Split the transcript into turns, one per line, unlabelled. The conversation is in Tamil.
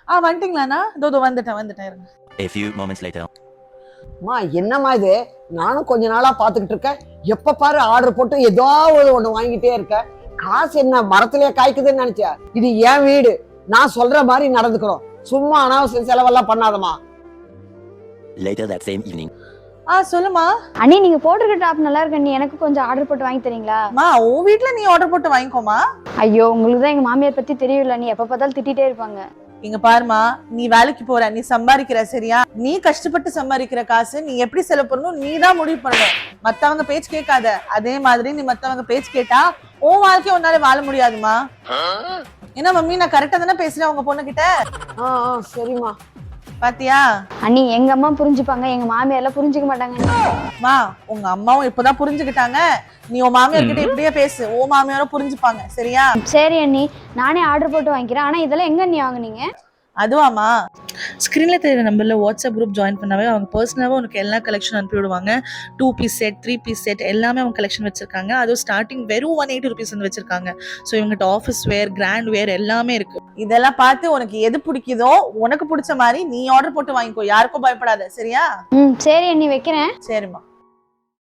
வந்துட்டீங்களாண்ணா? இதோ வந்துட்டேன் இருங்க.
A few moments later.
மா என்னம்மா இது? நானும் கொஞ்ச நாளா பாத்துக்கிட்டு இருக்கேன். எப்ப பாரு ஆர்டர் போட்டு ஏதாவது ஒண்ணு வாங்கிட்டே இருக்க. காசு என்ன மரத்திலேயே காய்க்குதுன்னு நினைச்சா? இது என் வீடு, நான் சொல்ற மாதிரி நடந்துக்கிறோம். சும்மா அனாவசிய செலவெல்லாம் பண்ணாதமா.
Later that same evening.
சொல்லுமா.
அண்ணி நீங்க போட்டிருக்க டாப் நல்லா இருக்கு அண்ணி, எனக்கு கொஞ்சம் ஆர்டர் போட்டு வாங்கி தரீங்களா?
உன் வீட்டுல நீ ஆர்டர் போட்டு வாங்கிக்கோமா.
ஐயோ உங்களுக்கு தான் எங்க மாமியார் பத்தி தெரியல, நீ எப்ப பார்த்தாலும் திட்டிட்டே இருப்பாங்க.
இங்க பாருமா, நீ வேலைக்கு போற, நீ சம்பாதிக்கிற, சரியா? நீ கஷ்டப்பட்டு சம்பாதிக்கிற காசு நீ எப்படி செலவு பண்ணணும் நீ தான் முடிவு பண்ணணும். மத்தவங்க பேச்சு கேட்காத. அதே மாதிரி நீ மத்தவங்க பேச்சு கேட்டா உன் வாழ்க்கைய உன்னால வாழ முடியாதுமா. என்ன மம்மி, நான் கரெக்டா தானே பேசுறேன் உங்க பொண்ணு கிட்ட?
சரிம்மா.
பாத்தியா
அண்ணி, எங்க அம்மா புரிஞ்சுப்பாங்க, எங்க மாமியார் எல்லாம் புரிஞ்சுக்க மாட்டாங்க.
உங்க அம்மாவும் இப்பதான் புரிஞ்சுக்கிட்டாங்க. நீ உன் மாமியார் கிட்ட இப்படியே பேசு, உன் மாமியாரும் புரிஞ்சுப்பாங்க, சரியா?
சரி அண்ணி, நானே ஆர்டர் போட்டு வாங்கிக்கிறேன். ஆனா இதெல்லாம் எங்க அண்ணி வாங்குனீங்க?
அதுவாமா, ஸ்க்ரீன்ல தெரியுற நம்பர்ல வாட்ஸ்அப் குரூப் ஜாயின் பண்ணாவே அவங்க பர்சனலாக உனக்கு எல்லா கலெக்ஷன் அனுப்பி விடுவாங்க. 2 பீஸ் செட், 3 பீஸ் செட் எல்லாமே அவங்க கலெக்ஷன் வச்சிருக்காங்க. அதுவும் ஸ்டார்டிங் வெறும் 180 rupees வந்து வச்சிருக்காங்க. ஸோ இவங்ககிட்ட ஆஃபீஸ் வேர், கிராண்ட் வேர் எல்லாமே இருக்கு. இதெல்லாம் பார்த்து உனக்கு எது பிடிக்குதோ, உனக்கு பிடிச்ச மாதிரி நீ ஆர்டர் போட்டு வாங்கிக்கோ. யாருக்கும் பயப்படாத, சரியா?
சரி அண்ணி, வைக்கிறேன்.
சரிம்மா.